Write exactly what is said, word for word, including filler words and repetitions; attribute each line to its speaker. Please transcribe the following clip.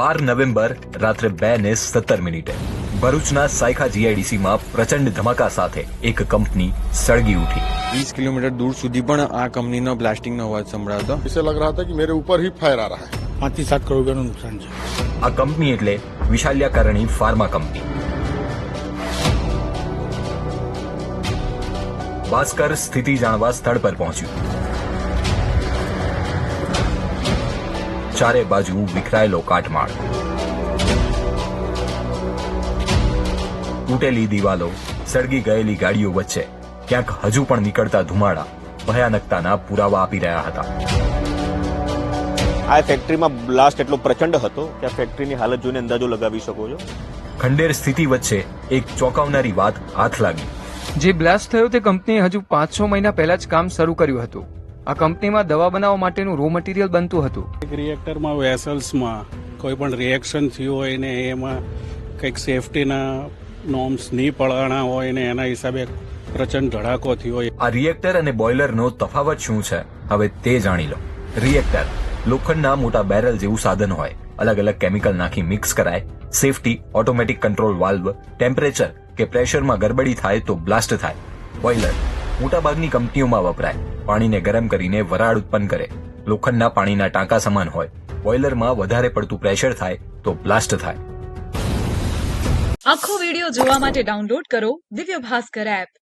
Speaker 1: બાર November રાત્રે બે ને સત્તર મિનિટે ભરૂચના સાયખા જીઆઈડીસીમાં પ્રચંડ ધમાકા સાથે એક કંપની સળગી ઉઠી।
Speaker 2: વીસ કિલોમીટર दूर સુધી પણ આ કંપનીનો બ્લાસ્ટિંગનો અવાજ સંભળાતો।
Speaker 3: इसे लग रहा था कि मेरे ऊपर ही फायर आ रहा है।
Speaker 4: पांच થી सात करोड़ રૂપિયાનું નુકસાન છે।
Speaker 1: આ કંપની એટલે વિશાલ્યાકરણી ફાર્મા કંપની। ભાસ્કર સ્થિતિ જાણવા સ્થળ પર પહોંચ્યું। ચારે બાજુ વિખરાયેલો કાટમાળ, તૂટેલી દિવાલો, સળગી ગયેલી ગાડીઓ વચ્ચે ક્યાંક હજુ પણ નીકળતા ધુમાડા ભયાનકતાના પુરાવા આપી રહ્યા હતા।
Speaker 5: આ ફેક્ટરીમાં બ્લાસ્ટ એટલો પ્રચંડ હતો કે આ ફેક્ટરીની હાલત જોઈને અંદાજો લગાવી શકો છો।
Speaker 1: ખંડેર સ્થિતિ વચ્ચે એક ચોંકાવનારી વાત હાથ લાગી।
Speaker 6: જે બ્લાસ્ટ થયો તે કંપનીએ હજુ પાંચ છ મહિના પહેલા જ કામ શરૂ કર્યું હતું। આ કંપનીમાં દવા બનાવવા માટેનું રો મટીરિયલ બનતું હતું।
Speaker 4: એક રિએક્ટરમાં વેસલ્સમાં કોઈ પણ રિએક્શન થયું હોય ને એમાં કંઈક સેફટીના નોર્મ્સ નહીં પડાણા હોય ને એના હિસાબે પ્રચંડ ધડાકો થયો હોય।
Speaker 1: આ રિએક્ટર અને બોઇલરનો તફાવત શું છે હવે તે જાણી લો। રિએક્ટર લોખંડના મોટા બેરલ જેવું સાધન હોય, અલગ અલગ કેમિકલ નાખી મિક્સ કરાય, safety, automatic control valve, temperature કે પ્રેશરમાં ગરબડી થાય તો બ્લાસ્ટ થાય। બોઇલર મોટાભાગની કંપનીઓમાં વપરાય, પાણીને ગરમ કરીને વરાળ ઉત્પન્ન કરે। લોખંડના પાણીના ટાંકા સમાન હોય, બોઇલરમાં વધારે પડતું પ્રેશર થાય તો બ્લાસ્ટ થાય।
Speaker 7: આખો વિડિયો જોવા માટે ડાઉનલોડ કરો દિવ્ય ભાસ્કર એપ।